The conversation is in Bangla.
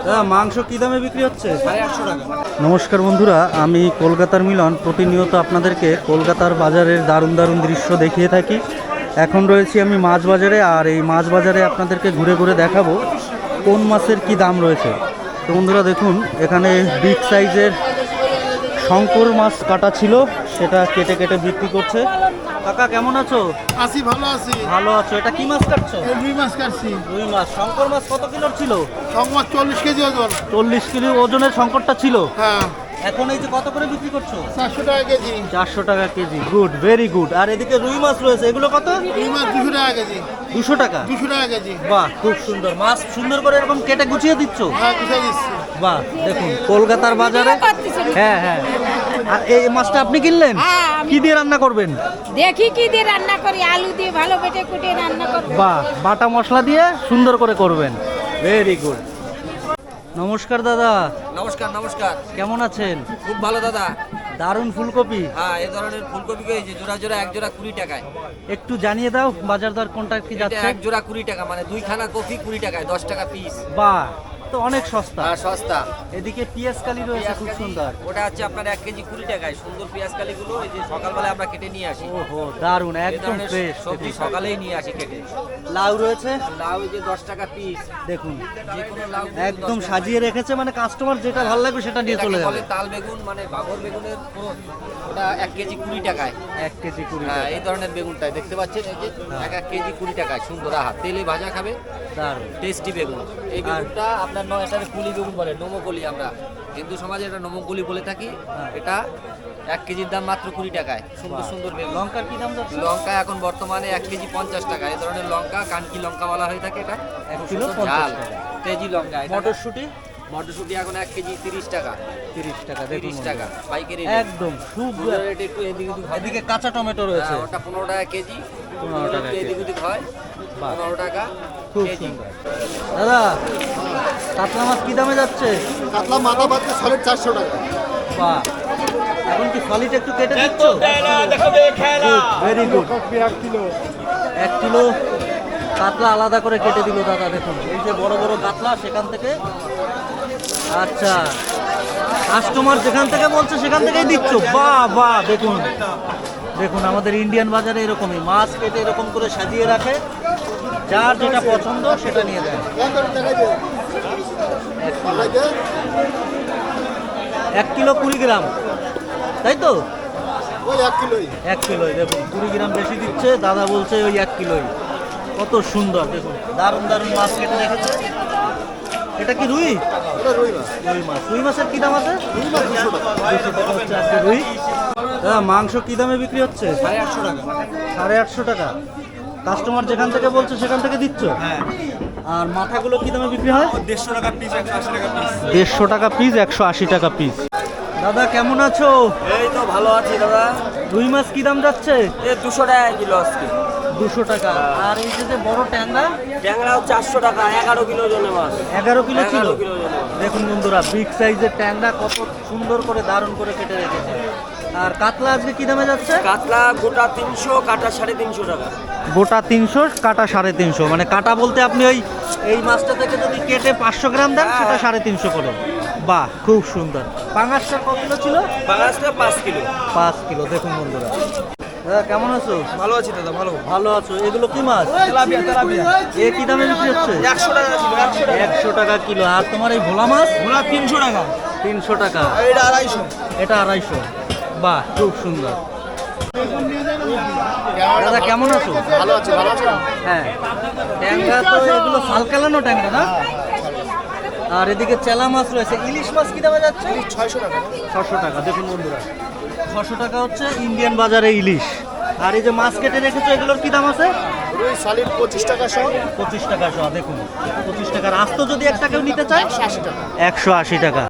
মাংস কি দামে বিক্রি হচ্ছে? 850 টাকা। নমস্কার বন্ধুরা, আমি কলকাতার মিলন প্রতিনিয়ত আপনাদেরকে কলকাতার বাজারের দারুণ দারুণ দৃশ্য দেখিয়ে থাকি। এখন রয়েছি আমি মাছ বাজারে, আর এই মাছ বাজারে আপনাদেরকে ঘুরে ঘুরে দেখাবো কোন মাছের কি দাম রয়েছে। তো বন্ধুরা দেখুন, এখানে বিগ সাইজের শঙ্কর মাছ কাটা ছিল, সেটা কেটে কেটে বিক্রি করছে। কাকা কেমন আছো? আছি, ভালো আছি। ভালো আছো। এটা কি মাছ কাটছো? রুই মাছ কাটছি। রুই মাছ। শঙ্কর মাছ কত কিলোর ছিল? মাছ 40 কেজি ওজন। 40 কিলো ওজনের শঙ্করটা ছিল। হ্যাঁ। এখন এই যে কত করে বিক্রি করছো? 400 টাকা কেজি। 400 টাকা কেজি। Good, very good. আর এদিকে রুই মাছ রয়েছে, এগুলো কত? রুই মাছ 200 টাকা কেজি। 200 টাকা? 200 টাকা কেজি। বাহ, খুব সুন্দর। মাছ সুন্দর করে এরকম কেটে গুছিয়ে দিচ্ছ? হ্যাঁ, গুছিয়ে দিচ্ছি। বাহ, দেখুন কলকাতার বাজারে। হ্যাঁ হ্যাঁ। আর এই মাছটা আপনি কিনলেন? কি দিয়ে রান্না করবেন? দেখি কি দিয়ে রান্না করি, আলু দিয়ে ভালো বেটে কুটে রান্না করব। বাহ, বাটা মশলা দিয়ে সুন্দর করে করবেন। Very good. নমস্কার দাদা। নমস্কার নমস্কার। কেমন আছেন? খুব ভালো দাদা। দারুণ ফুলকপি। হ্যাঁ, এই ধরনের ফুলকপি পেয়েছি জোড়া জোড়া, এক জোড়া 20 টাকায়। একটু জানিয়ে দাও বাজার দর কোনটা কি এটা যাচ্ছে? এক জোড়া 20 টাকা, মানে দুইখানা কপি 20 টাকায়, 10 টাকা পিস। বাহ, তো অনেক সস্তা। আর সস্তা। এদিকে পিয়াজ কালি রয়েছে খুব সুন্দর। ওটা হচ্ছে আপনার 1 কেজি 20 টাকায়। সুন্দর পেঁয়াজ কালিগুলো এই যে সকালবেলা আমরা কেটে নিয়ে আসি। ওহো, দারুণ, এই একদম ধরনের ফ্রেশ সবজি সকালেই নিয়ে আসি কেটে। লাউ রয়েছে লাউ এই যে 10 টাকা পিস। দেখুন, যে কোনো লাউ একদম সাজিয়ে রেখেছে, মানে কাস্টমার যেটা ভালো লাগবে সেটা নিয়ে চলে যাবে। তাল বেগুন, মানে বাগর বেগুনের পুরো ওটা 1 কেজি 20 টাকায়। 1 কেজি 20 হ্যাঁ, টাকা। এই ধরনের বেগুনটাই দেখতে পাচ্ছেন, এই যে এক কেজি 20 টাকায়। সুন্দর আহা, তেলে ভাজা খাবে, দারুণ। টেস্টি বেগুন। এই বেগুনটা আপনার এটাকে কুলি বেগুন বলে, নমকলি। আমরা হিন্দু সমাজে এটা নমকলি বলে থাকি। এটা 1 কেজির দাম মাত্র 20 টাকায়। সুন্দর সুন্দর বেগুন। লঙ্কার কি দাম যাচ্ছে? লঙ্কা এখন বর্তমানে 1 কেজি 50 টাকা। এই ধরনের লঙ্কা কানকি লঙ্কা বলা হয়ে থাকে। এটা 1 কিলো ঝাল 50 টাকা। তেজি লঙ্কা। মটরশুঁটি মটরশুঁটি এখন 1 কেজি 30 টাকা। 30 টাকা। দেখুন 30 টাকা পাইকারি। একদম শুভ। রেট একটু এদিক ওদিক হবে। এদিকে কাঁচা টমেটো রয়েছে। হ্যাঁ, ওটা 15 টাকা কেজি। 15 টাকা একটু এদিক কেজি। ওদিক হয়। বাহ। 15 টাকা খুব কেজি। সুন্দর। দাদা, কাতলা মাছ কি দামে যাচ্ছে? কাতলা মাথা বাদতে 450 টাকা। বাহ, এখন কি সলিড একটু কেটে দিচ্ছ? Very good. 1 কিলো। 1 কিলো কাতলা আলাদা করে কেটে দিল দাদা। দেখুন এই যে বড় বড় কাতলা, সেখান থেকে। আচ্ছা, কাস্টমার যেখান থেকে বলছে সেখান থেকেই দিচ্ছ? বাহ বাহ, দেখুন দেখুন, আমাদের ইন্ডিয়ান বাজারে এরকমই মাছ কেটে এরকম করে সাজিয়ে রাখে, যার যেটা পছন্দ সেটা নিয়ে দেয়। 1 কিলো 20 গ্রাম, তাই তো? ওই 1 কিলোই। 1 কিলোই। দেখুন 20 গ্রাম বেশি দিচ্ছে, দাদা বলছে ওই 1 কিলোই। কত সুন্দর, দেখুন দারুণ দারুণ মাছ কেটে রেখেছে। এটা কি রুই? এটা রুই মাছ। রুই মাছ। রুই মাছের কি দাম আছে? রুই মাছ 200 টাকা। 200 টাকা হচ্ছে আজকে রুই। দাদা, মাংস কি দামে বিক্রি হচ্ছে? 850 টাকা। 850 টাকা। কাস্টমার যেখান থেকে বলছে সেখান থেকে দিচ্ছ? হ্যাঁ। আর মাথাগুলো কি দামে বিক্রি হয়? 150 টাকা পিস, 180 টাকা পিস। 150 টাকা পিস, 180 টাকা পিস। দাদা কেমন আছো? এই তো ভালো আছি দাদা। রুই মাছ কি দাম যাচ্ছে? এই 200 টাকা কিলো আজকে। 200 টাকা। আর এই যে বড় ট্যাংরা? ট্যাংরাও 400 টাকা, 11 কিলো ওজনের মাছ। 11 কিলো ছিল। 11 কিলো ওজনের মাছ। দেখুন বন্ধুরা, বিগ সাইজের ট্যাংরা কত সুন্দর করে দারুণ করে কেটে রেখেছে। আর কাতলা আজকে কি দামে যাচ্ছে? কাতলা গোটা 300, কাটা 350 টাকা। গোটা 300, কাটা 350। মানে কাটা বলতে আপনি ওই এই মাছটা থেকে যদি কেটে 500 গ্রাম দেন সেটা 350 করে। বাহ, খুব সুন্দর। পাঙাশটা কত কিলো ছিল? বাংলাদেশটা 5 কিলো। 5 কিলো। দেখুন বন্ধুরা। দাদা কেমন আছো? ভালো আছি দাদা, ভালো। ভালো আছো। এগুলো কি মাছ? Tilapia, tilapia. এ কি দামে বিক্রি হচ্ছে? 100 টাকা কিলো, 100 টাকা। 100 টাকা কিলো। আর তোমার এই ভোলা মাছ? ভোলা 300 টাকা। 300 টাকা। এটা 250। এটা 250। বাহ, খুব সুন্দর। দাদা কেমন আছো? ভালো আছে, ভালো আছে। হ্যাঁ, ট্যাংরা তো এগুলো ফালকালানো ট্যাংরা না? আর এদিকে চেলা মাছ রয়েছে। ইলিশ মাছ কি দামে যাচ্ছে? 600 টাকা। 600 টাকা। দেখুন বন্ধুরা, 600 টাকা হচ্ছে ইন্ডিয়ান বাজারে ইলিশ। আর এই যে মাছ কেটে রেখেছো, এগুলোর কি দাম আছে? রুই সলিড 25 টাকা সহ। 25 টাকা সহ। দেখুন 25 টাকার আস্ত যদি একটা কেউ নিতে চায় 180 টাকা। 180 টাকা।